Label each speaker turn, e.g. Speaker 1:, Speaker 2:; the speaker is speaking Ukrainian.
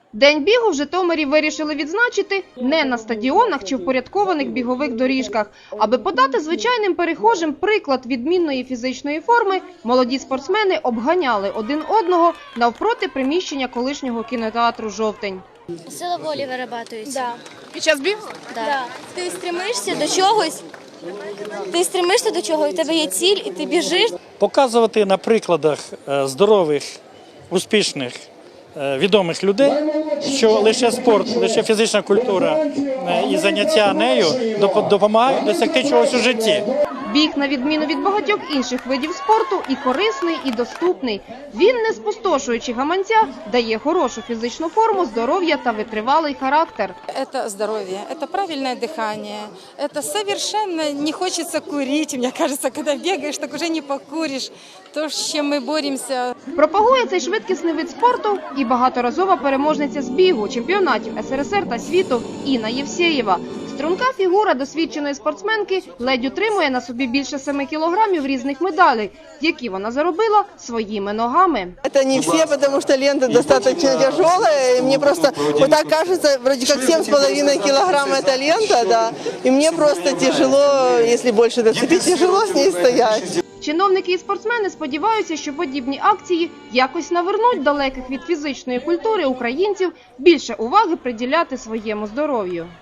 Speaker 1: День бігу в Житомирі вирішили відзначити не на стадіонах чи впорядкованих бігових доріжках. Аби подати звичайним перехожим приклад відмінної фізичної форми, молоді спортсмени обганяли один одного навпроти приміщення колишнього кінотеатру «Жовтень».
Speaker 2: Сила волі вирабатується.
Speaker 3: Да.
Speaker 4: Під час бігу?
Speaker 2: Да. Ти стремишся до чогось, і в тебе є ціль, і ти біжиш.
Speaker 5: Показувати на прикладах здорових, успішних, відомих людей, що лише спорт, лише фізична культура і заняття нею допомагають досягти чогось у житті.
Speaker 1: Біг, на відміну від багатьох інших видів спорту, і корисний, і доступний. Він, не спустошуючи гаманця, дає хорошу фізичну форму, здоров'я та витривалий характер.
Speaker 6: Это здоровье, это правильное дыхание, это совершенно не хочется курить. Мне кажется, когда бегаешь, так уже не покуришь. То, с чем мы боремся.
Speaker 1: Пропагує цей швидкісний вид спорту і багаторазова переможниця з бігу, чемпіонатів СРСР та світу Інна Євсєєва. Струнка фігура досвідченої спортсменки ледь утримує на собі більше 7 кілограмів різних медалей, які вона заробила своїми ногами.
Speaker 7: Это не все, потому что лента достаточно тяжелая. Мне просто вот так кажется, вроде как 7,5 килограмм это лента, да. И мне просто тяжело, если больше доцепить, тяжело с ней стоять.
Speaker 1: Чиновники і спортсмени сподіваються, що подібні акції якось навернуть далеких від фізичної культури українців більше уваги приділяти своєму здоров'ю.